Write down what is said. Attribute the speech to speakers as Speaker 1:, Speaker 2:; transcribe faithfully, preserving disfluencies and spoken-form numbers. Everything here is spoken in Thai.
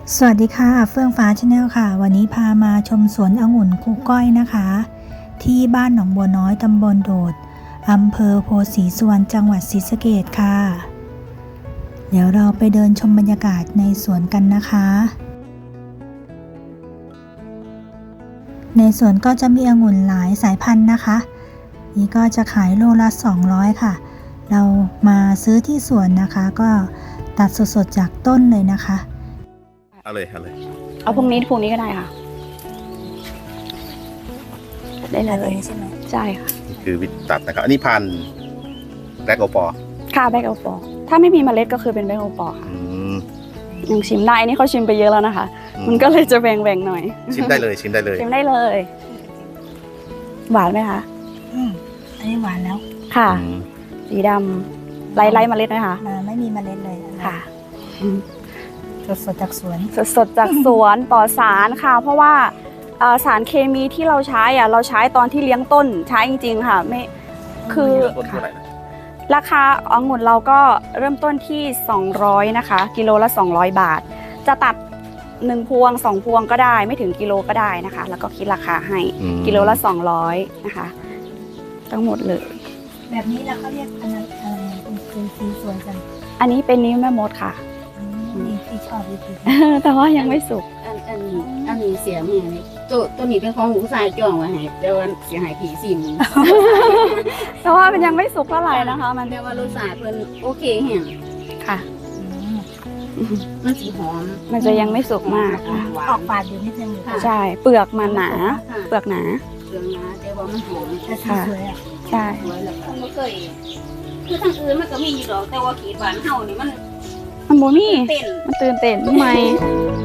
Speaker 1: สวัสดีค่ะเฟื่องฟ้าชาแนลค่ะวันนี้พามาชมสวนองุ่นครูก้อยนะคะ ที่บ้านหนองบัวน้อยตำบลโดดอำเภอโพธิ์ศรีสุวรรณจังหวัดศรีสะเกษค่ะเดี๋ยวเราไปเดินชมบรรยากาศในสวนกันนะคะ ในสวนก็จะมีองุ่นหลายสายพันธุ์นะคะนี่ก็จะขายโลละสองร้อยค่ะเรามาซื้อที่สวนนะคะก็ตัดสดๆจากต้นเลยนะคะ
Speaker 2: เอาเลยเอาเลย
Speaker 3: เอาพวกนี้พวกนี้ก็ได้ค่ะได้เลย
Speaker 1: ใช่ไหม
Speaker 3: ใช่ค่ะ
Speaker 2: นี่คือวิธีตัดนะครับอันนี้พันแบล็กโอปอ
Speaker 3: ค่ะแบล็กโอปอถ้าไม่มีเมล็ดก็คือเป็นแบล็กโอปอค่ะยังชิมได้อันนี้เขาชิมไปเยอะแล้วนะคะมันก็เลยจะแบ่งๆหน่อย
Speaker 2: ชิมได้เลยชิมได้เลย
Speaker 3: ชิมได้เลยหวานไหมคะ
Speaker 1: อืมอันนี้หวานแล้ว
Speaker 3: ค่ะสีดำไร้ไร้เมล็ดไหมคะ
Speaker 1: ไม่มีเมล็ดเลย
Speaker 3: ค่ะ
Speaker 1: สดสดจากสวน
Speaker 3: สดสดจากสวนปลอดสารค่ะเพราะว่าสารเคมีที่เราใช้อ่ะเราใช้ตอนที่เลี้ยงต้นใช้จริงๆค่ะไม่คือราคาองุ่นเราก็เริ่มต้นที่สองร้อยนะคะกิโลละสองร้อยบาทจะตัดหนึ่งพวงสองพวงก็ได้ไม่ถึงกิโลก็ได้นะคะแล้วก็คิดราคาให้กิโลละสองร้อยนะคะทั้งหมดเลย
Speaker 1: แบบนี้เราเขาเรียกอะไรอะไรคือสีสวยจัง
Speaker 3: อันนี้เป็นนิ้วแม่มดค่ะ
Speaker 1: ที่ชอบวิธี
Speaker 3: แต่ว่ายังไม่สุก
Speaker 4: อันอันนี้อันนี้เสียแม่นี่ตัวตัวนี้เป็นของหนูสายจ้องไว้ให้เดี๋ยวเสียหายผีสิม
Speaker 3: แต่ว่ามันยังไม่สุกเท่าไหร่นะคะมัน
Speaker 4: แต่ว่ารสชาติเพิ่นโอเคแฮง
Speaker 3: ค่ะ
Speaker 4: มันสีหอม
Speaker 3: มันจะยังไม่สุกมากค่ะ
Speaker 1: ออกฝาดอยู่นิดนึง
Speaker 3: ใช่เปลือกมันหนาเปลือกหนา
Speaker 4: เปลือกหนาแต่ว่ามันหอม
Speaker 3: ค่ะใช่
Speaker 4: สวยแล้วก็บ่เคยคือทางอื่นมันก็มีอยู่ดอกแต่ว่าขีดหวานเฮานี่มัน
Speaker 3: มันโมมี่มันตื่นเต้นทำไม